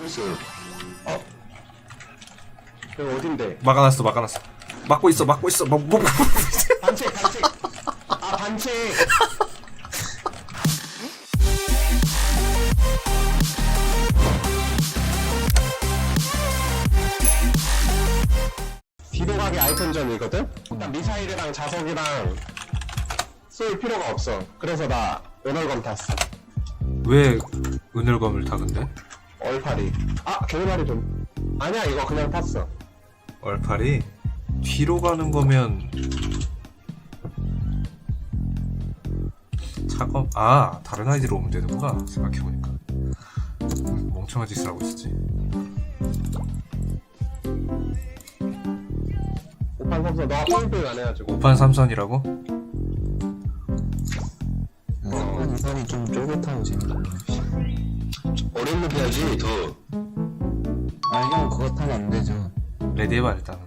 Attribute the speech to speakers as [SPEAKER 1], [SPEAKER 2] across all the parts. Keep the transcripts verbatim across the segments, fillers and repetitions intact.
[SPEAKER 1] 있어.
[SPEAKER 2] 어? 여기 어딘데?
[SPEAKER 3] 막아놨어 막아놨어. 막고 있어 막고 있어. 막 뭐.
[SPEAKER 2] 반칙 반칙. 아 반칙. 뒤로 가기 아이템전이거든? 일단 미사일이랑 자석이랑 쏠 필요가 없어. 그래서 나 은월검 탔어.
[SPEAKER 3] 왜 은혈검을 타 근데?
[SPEAKER 2] 얼파리. 아 겨울파리 좀. 아니야 이거 그냥 탔어.
[SPEAKER 3] 얼팔이 뒤로 가는 거면 차검 아 다른 아이디로 오면 되는구나 생각해보니까. 멍청한 짓을 하고 있었지.
[SPEAKER 2] 오판 삼선 너가 포인트 안 해가지고.
[SPEAKER 3] 오판 삼선이라고?
[SPEAKER 2] 어.
[SPEAKER 1] 선이 좀 쫄깃하고 재밌다. 어려운 거 해야지 더. 아 형 그거 타면 안 되죠.
[SPEAKER 3] 레디 해봐 일단은.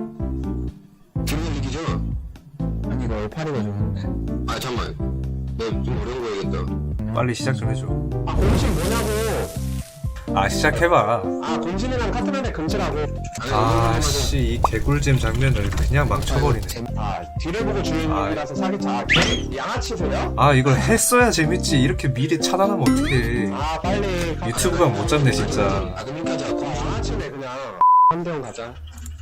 [SPEAKER 1] 기분 이기죠?
[SPEAKER 2] 아니 이거 얼파리가 좋은데.
[SPEAKER 1] 아 잠깐만. 나 좀 어려운 거 해야겠다.
[SPEAKER 3] 빨리 시작 좀 해줘.
[SPEAKER 2] 아 공신 뭐냐고.
[SPEAKER 3] 아 시작해봐.
[SPEAKER 2] 아 공신이랑 카트맨의 금치라고.
[SPEAKER 3] 아씨 이 개꿀잼 장면을 그냥 막 쳐버리네.
[SPEAKER 2] 아 뒤를 보고 주인님이라서 사기차. 아, 개- 양아치세요?
[SPEAKER 3] 아 이걸 했어야 재밌지. 이렇게 미리 차단하면 어떡해.
[SPEAKER 2] 아 빨리
[SPEAKER 3] 유튜브가 못 잡네 진짜.
[SPEAKER 1] 아 그럼 이렇게 하자.
[SPEAKER 2] 아, 양아치네 그냥. 한대원 가자.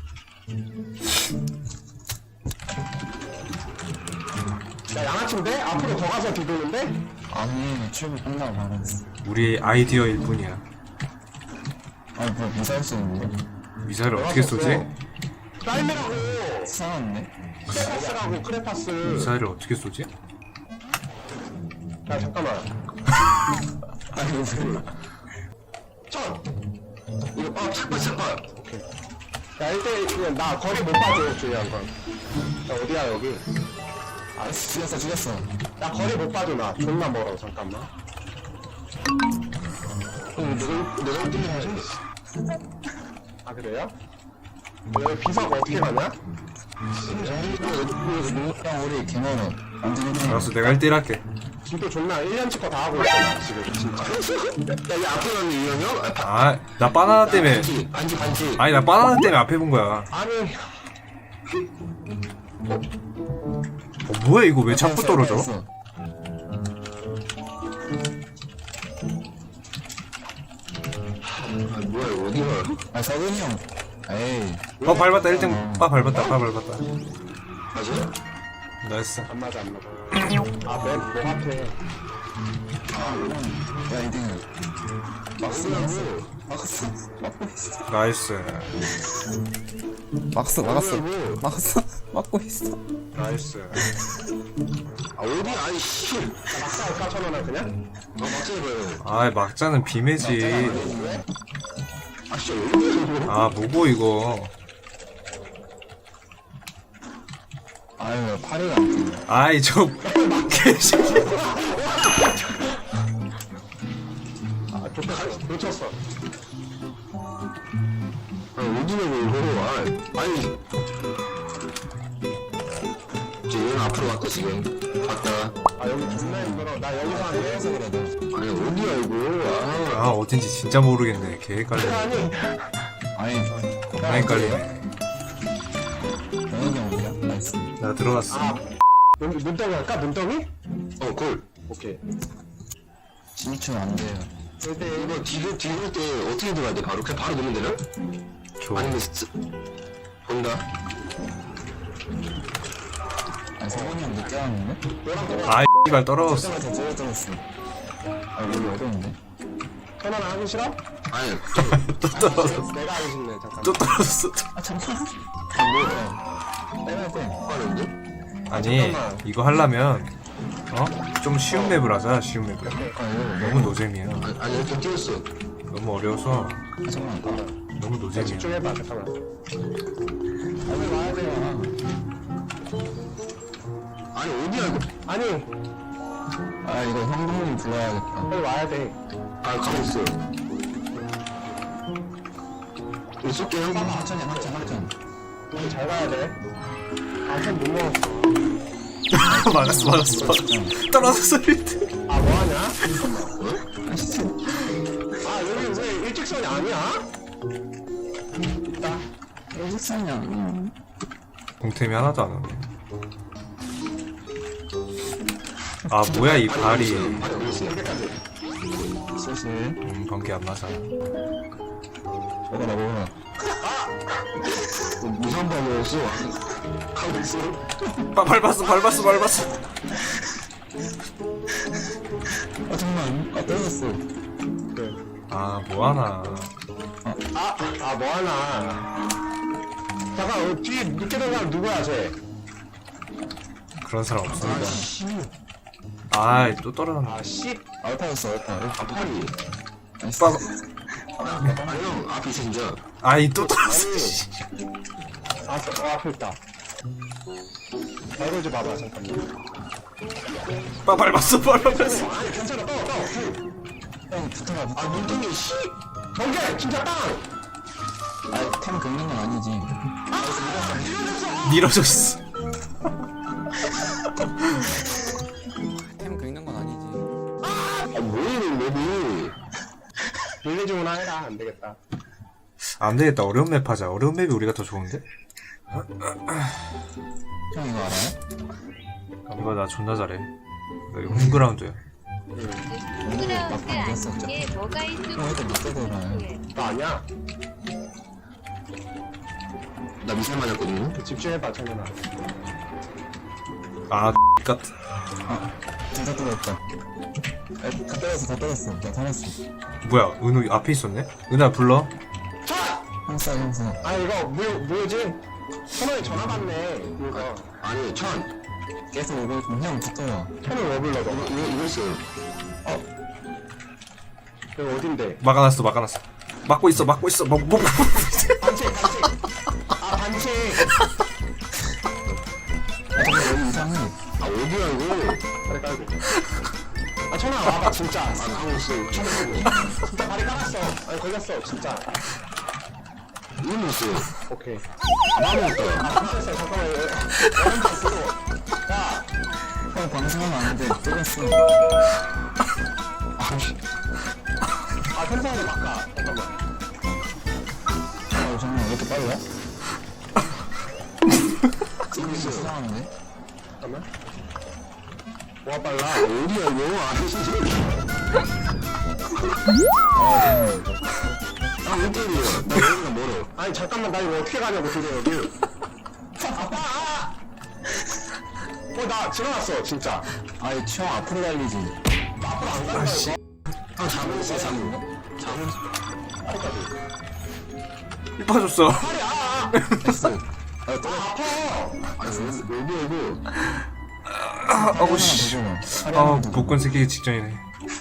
[SPEAKER 2] 야 양아치인데? 앞으로 더 가서 뒤도는데?
[SPEAKER 1] 아니 출구 끝나고 말았어.
[SPEAKER 3] 우리 아이디어일 뿐이야.
[SPEAKER 1] 아니 뭐 미사일 쏘는데?
[SPEAKER 3] 미사일을 어떻게 쏘지?
[SPEAKER 2] 딸매라고.
[SPEAKER 1] 이상한데?
[SPEAKER 2] 크레파스라고 크레파스.
[SPEAKER 3] 미사일을 어떻게 쏘지?
[SPEAKER 2] 야 잠깐만.
[SPEAKER 1] 아니 무슨
[SPEAKER 2] 천.
[SPEAKER 1] 이거 아 착발 착발.
[SPEAKER 2] 야 일대 그냥 나 거리 못 봐줘 중요한 건. 야 어디야 여기?
[SPEAKER 1] 아 죽였어 죽였어.
[SPEAKER 2] 나 거리 못 봐줘 나. 존나 멀어 잠깐만.
[SPEAKER 1] 형 내가 내가 일 등을 하지?
[SPEAKER 2] 아 그래요? 여기 비석 어떻게 가냐?
[SPEAKER 1] 누구랑 우리 개멀어. 완전 일 등.
[SPEAKER 3] 알았어 내가 일 대 일 할게.
[SPEAKER 2] 지도 존나 일 년치 거 다 하고 있어 나 지금 진짜.
[SPEAKER 1] 야이 앞에 가는 이형 형?
[SPEAKER 3] 아 나 바나나 때문에.
[SPEAKER 1] 반지 반지 반지.
[SPEAKER 3] 아니 나 바나나 때문에 앞에 본 거야.
[SPEAKER 2] 아니
[SPEAKER 3] 어, 뭐야 이거 왜 자꾸 떨어져?
[SPEAKER 1] 아 뭐야 이거 어디가? 아 서근이 형. 에이.
[SPEAKER 3] 어 밟았다 일 등. 빠 밟았다 빠 밟았다.
[SPEAKER 1] 맞아?
[SPEAKER 3] 나이스.
[SPEAKER 2] 안 맞아 안 맞아. 아맨뭐 같아.
[SPEAKER 1] 야 이 등. 막스 막스 막스 막고 있어.
[SPEAKER 3] 나이스.
[SPEAKER 1] 막스 막았어. 막았어 막고 있어.
[SPEAKER 3] 나이스.
[SPEAKER 1] 아 어디 아이 씨.
[SPEAKER 2] 막사 할까 천원을 그냥?
[SPEAKER 1] 아 막스 해봐요.
[SPEAKER 3] 아 막자는 비매지.
[SPEAKER 1] 왜? 아 진짜 왜?
[SPEAKER 3] 아 뭐고 이거.
[SPEAKER 1] 아유 팔이가 안 뜨네.
[SPEAKER 3] 아이 저 개새끼.
[SPEAKER 2] 아 좋다 놓쳤어.
[SPEAKER 1] 아 어디냐고 이거. 아 아니. 저 얘는 앞으로 왔다 지금. 갔다.
[SPEAKER 2] 아 여기 존나 힘들어. 나 여기서 안 돼.
[SPEAKER 1] 해서 그래도. 아니 어디야 이거. 아.
[SPEAKER 3] 아 어딘지 진짜 모르겠네. 개 헷갈리네.
[SPEAKER 2] 아니
[SPEAKER 1] 아니.
[SPEAKER 3] 겁나 헷갈리네.
[SPEAKER 1] 영현이 형 어디야? 나이스.
[SPEAKER 3] 나 들어갔어.
[SPEAKER 2] 아 눈, 눈덩이 할까? 눈덩이?
[SPEAKER 1] 어 골.
[SPEAKER 2] 오케이.
[SPEAKER 1] 진출 안 돼요.
[SPEAKER 2] 일대
[SPEAKER 1] 이거 뒤로 뒤로 때 어떻게 들어가야 돼? 바로 그냥 바로 넣으면 되나?
[SPEAKER 3] 좋아.
[SPEAKER 1] 아니면 스... 본다. 아니 성훈이 형 늦게 왔는데?
[SPEAKER 2] 너랑 똑같아.
[SPEAKER 3] 아 이발 떨어졌어.
[SPEAKER 1] 더 떨어졌어. 아 여기 어려운데?
[SPEAKER 2] 천원 하기 싫어?
[SPEAKER 1] 아니
[SPEAKER 3] 또 떨어졌어.
[SPEAKER 2] 내가 하기 싫네 잠깐.
[SPEAKER 3] 또 떨어졌어.
[SPEAKER 1] 아 잠깐. 아 뭐야? 빼야 돼. 빠른데?
[SPEAKER 3] 아니 이거 하려면 어? 좀 쉬운 맵을 하자. 쉬운 맵을.
[SPEAKER 1] 아 이거
[SPEAKER 3] 너무 노잼이야.
[SPEAKER 1] 아니 아니 이렇게 뛰었어.
[SPEAKER 3] 너무 어려워서
[SPEAKER 1] 아 잠깐만.
[SPEAKER 3] 너무
[SPEAKER 2] 야,
[SPEAKER 3] 노잼이야.
[SPEAKER 2] 집중해봐 잠깐만. 여기 와야 돼요.
[SPEAKER 1] 아니 어디야 이거?
[SPEAKER 2] 아니
[SPEAKER 1] 아 이거 형동님 불러야겠다.
[SPEAKER 2] 여기 와야 돼.
[SPEAKER 1] 아 가고 있어. 이거 쏠게 형.
[SPEAKER 2] 하천이야 하천 하천. 여기 잘 가야 돼. 아천 못 먹었어.
[SPEAKER 3] 막았어 막았어 막았어. 떨어졌어 일 등.
[SPEAKER 2] 아 뭐하냐?
[SPEAKER 1] 어?
[SPEAKER 2] 아 여기 왜 일직선이 아니야? 있다.
[SPEAKER 1] 여기 있어요. 응.
[SPEAKER 3] 공템이 하나도 안 오네. 아 뭐야 이 발이.
[SPEAKER 2] 아니 여기까지.
[SPEAKER 1] 슬슬.
[SPEAKER 3] 음 번개 안 맞아.
[SPEAKER 1] 먹어라 먹어라.
[SPEAKER 2] 무슨 번호였어? 카우스?
[SPEAKER 3] 빠 밟았어 밟았어 밟았어.
[SPEAKER 1] 아 잠깐만. 아 떨어졌어.
[SPEAKER 3] 아 뭐하나.
[SPEAKER 2] 아, 아, 뭐 하나. 잠깐, 어, 뒤에 늦게 된 사람 누구야, 쟤?
[SPEAKER 3] 그런 사람 없습니다.
[SPEAKER 2] 아, 씨.
[SPEAKER 3] 아이 또 떨어졌네.
[SPEAKER 2] 아, 씨.
[SPEAKER 1] 알파였어 알파.
[SPEAKER 2] 아, 팔이.
[SPEAKER 3] 빠
[SPEAKER 2] 아, 형, 앞에 있어, 진짜.
[SPEAKER 3] 아이 또 떨어졌어.
[SPEAKER 2] 아, 저, 어, 앞에 있다. 나 이거 좀 봐봐, 잠깐만.
[SPEAKER 3] 빠 밟았어 밟았어.
[SPEAKER 2] 아니, 괜찮아, 떠, 떠.
[SPEAKER 1] 형 붙어라 붙어.
[SPEAKER 2] 아, 눈등이, 씨. 번개, 진짜 빵!
[SPEAKER 1] 아템 긁는 건 아니지.
[SPEAKER 3] 밀어졌어.
[SPEAKER 1] 템 긁는 건 아니지.
[SPEAKER 2] 아, 뭐야, 이거, 맵이. 빌리지구나 해라, 안 되겠다.
[SPEAKER 3] 안 되겠다. 어려운 맵 하자. 어려운 맵이 우리가 더 좋은데?
[SPEAKER 1] 형 이거 알아요?
[SPEAKER 3] 이거 나 존나 잘해. 나 이거 홈그라운드야.
[SPEAKER 4] 그라운드 아닌 게 뭐가 있을
[SPEAKER 1] 형 일단 밑에 돌아요.
[SPEAKER 2] 나 아니야.
[SPEAKER 1] 나 미사일 맞았거든요.
[SPEAKER 2] 집중해봐, 정현아.
[SPEAKER 3] 아 같.
[SPEAKER 1] 진짜 떨어졌다. 아, 다 떨어졌어 다 떨어졌어. 나 살았어.
[SPEAKER 3] 뭐야 은우 앞에 있었네? 은우야 불러.
[SPEAKER 2] 자!
[SPEAKER 1] 형사 형사.
[SPEAKER 2] 아, 이거, 뭐, 뭐지? 천원이 전화 받네, 이거.
[SPEAKER 1] 아니 천. 계속 오고 있으면 형 붙어요.
[SPEAKER 2] 천원 왜 불러, 너?
[SPEAKER 1] 이거 이거 있어요.
[SPEAKER 2] 이거 어딘데?
[SPEAKER 3] 막아놨어 막아놨어. 막고 있어 막고 있어. 뭐 뭐.
[SPEAKER 2] 반칙, 반칙. 아, 반칙.
[SPEAKER 1] 아 잠깐 여기 이상해.
[SPEAKER 2] 아, 어디야, 이거? 다리 깔고. 아, 천아, 와봐, 진짜. 아, 가고 있어. 천원 진짜 다리 깔았어. 아니, 걸렸어, 진짜.
[SPEAKER 1] 이거 있어요.
[SPEAKER 2] 오케이. 나무였다. 아, 됐어, 잠깐만. 여러분 봤어. 야,
[SPEAKER 1] 형 방송하면 안 돼. 떨었어.
[SPEAKER 2] 아, 텐션을 바꿔. 잠깐만.
[SPEAKER 1] 아 잠깐만 왜 이렇게 빨라? 지금 이거 수상한데?
[SPEAKER 2] 잠깐만. 와, 빨라. 어디야, 이거? 아, 진짜.
[SPEAKER 1] 아 잠깐만.
[SPEAKER 2] 아, 왜 때려? 나 여기가 멀어. 아니, 잠깐만, 나 이거 어떻게 가냐고, 드디어 여기. 아빠! 아! 어, 나 지나갔어, 진짜.
[SPEAKER 1] 아이 형 앞으로 달리지.
[SPEAKER 2] 앞으로 안 가는 거야,
[SPEAKER 1] 형 잡고 있어 잡고. 잡고.
[SPEAKER 3] 이 빠졌어.
[SPEAKER 2] 팔이, 아, 아!
[SPEAKER 1] 됐어. 아
[SPEAKER 2] 아,
[SPEAKER 1] 떨어.
[SPEAKER 2] 아파!
[SPEAKER 1] 아니 여기 여기.
[SPEAKER 3] 아우 씨. 아 복권 새끼기 직전이네.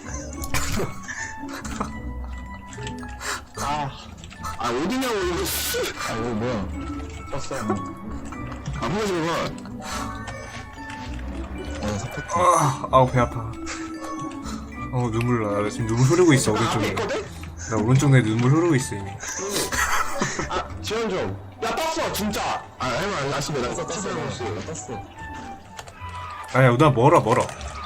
[SPEAKER 2] 아,
[SPEAKER 1] 아 어디냐고 이거. 아 이거 뭐야?
[SPEAKER 2] 떴어.
[SPEAKER 1] 아무거 좀 봐. 어 사표.
[SPEAKER 3] 아 아우 배 아파. 어 눈물 나. 나 지금 눈물 흐르고 있어
[SPEAKER 2] 앞에
[SPEAKER 3] 오른쪽에.
[SPEAKER 2] 있거든?
[SPEAKER 3] 나 오른쪽 내 눈물 흐르고 있어 이미.
[SPEAKER 2] 아, 지원 좀. 야, 떴어, 진짜.
[SPEAKER 1] 아 할말 안 하시면 나
[SPEAKER 2] 떴어,
[SPEAKER 1] 떴어
[SPEAKER 2] 떴어.
[SPEAKER 1] 떴어.
[SPEAKER 3] 아야 나 멀어 멀어.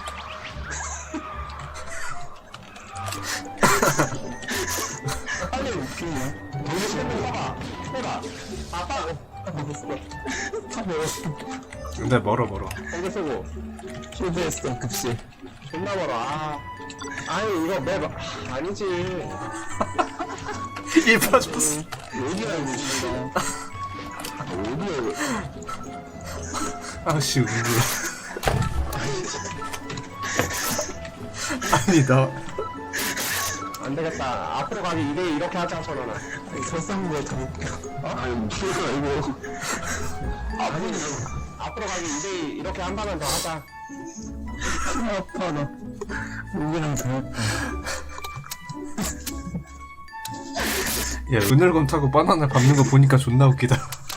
[SPEAKER 2] 빨리 웃기냐? 여기 핸드폰 써봐. 해봐. 아빠,
[SPEAKER 1] 다 먹었어.
[SPEAKER 3] 근데 멀어 멀어.
[SPEAKER 2] 거기 쓰고.
[SPEAKER 1] 실패했어 급식.
[SPEAKER 2] 존나 멀어. 아. 아니, 이거 맵, 아, 아니지.
[SPEAKER 3] 일 빠졌어.
[SPEAKER 1] 어디야 이거 진짜. 아 어디야 이거.
[SPEAKER 3] 아씨 눈물. 아니 나.
[SPEAKER 2] 안 되겠다. 앞으로 가기 이 대 이렇게 하자, 천원아.
[SPEAKER 1] 설상구에 다 웃겨.
[SPEAKER 2] 아니, 무슨 소리야, 이거. 아니, 앞으로 가기 이 대 이렇게 한 번만 더 하자.
[SPEAKER 1] 아파 나. 목이랑 더 아파.
[SPEAKER 3] 야 은혈검 타고 바나나 밟는 거 보니까 존나 웃기다.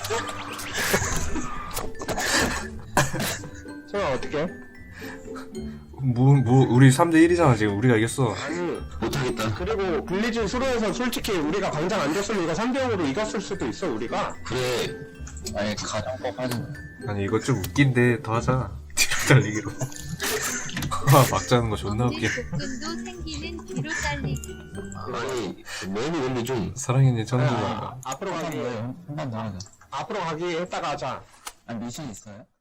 [SPEAKER 2] 천원 어떻게?
[SPEAKER 3] 뭐, 뭐, 우리 삼 대 일이잖아, 지금. 우리가 이겼어.
[SPEAKER 2] 아니,
[SPEAKER 1] 못하겠다.
[SPEAKER 2] 그리고 빌리지 수로에서 솔직히 우리가 광장 안 줬으면 이거 삼 대 영으로 이겼을 수도 있어, 우리가.
[SPEAKER 1] 그래. 아니 가정법 하지.
[SPEAKER 3] 아니, 이거 좀 웃긴데, 더 하자. 뒤로 달리기로. 막자는 거 존나 웃겨.
[SPEAKER 4] 복근도 생기는 뒤로 잘리기.
[SPEAKER 1] 아니 너무 근데 좀
[SPEAKER 3] 사랑이네 천국아.
[SPEAKER 2] 아, 앞으로 가기
[SPEAKER 1] 한번 더 하자.
[SPEAKER 2] 앞으로 가기 했다가 하자.
[SPEAKER 1] 아 미션 있어요?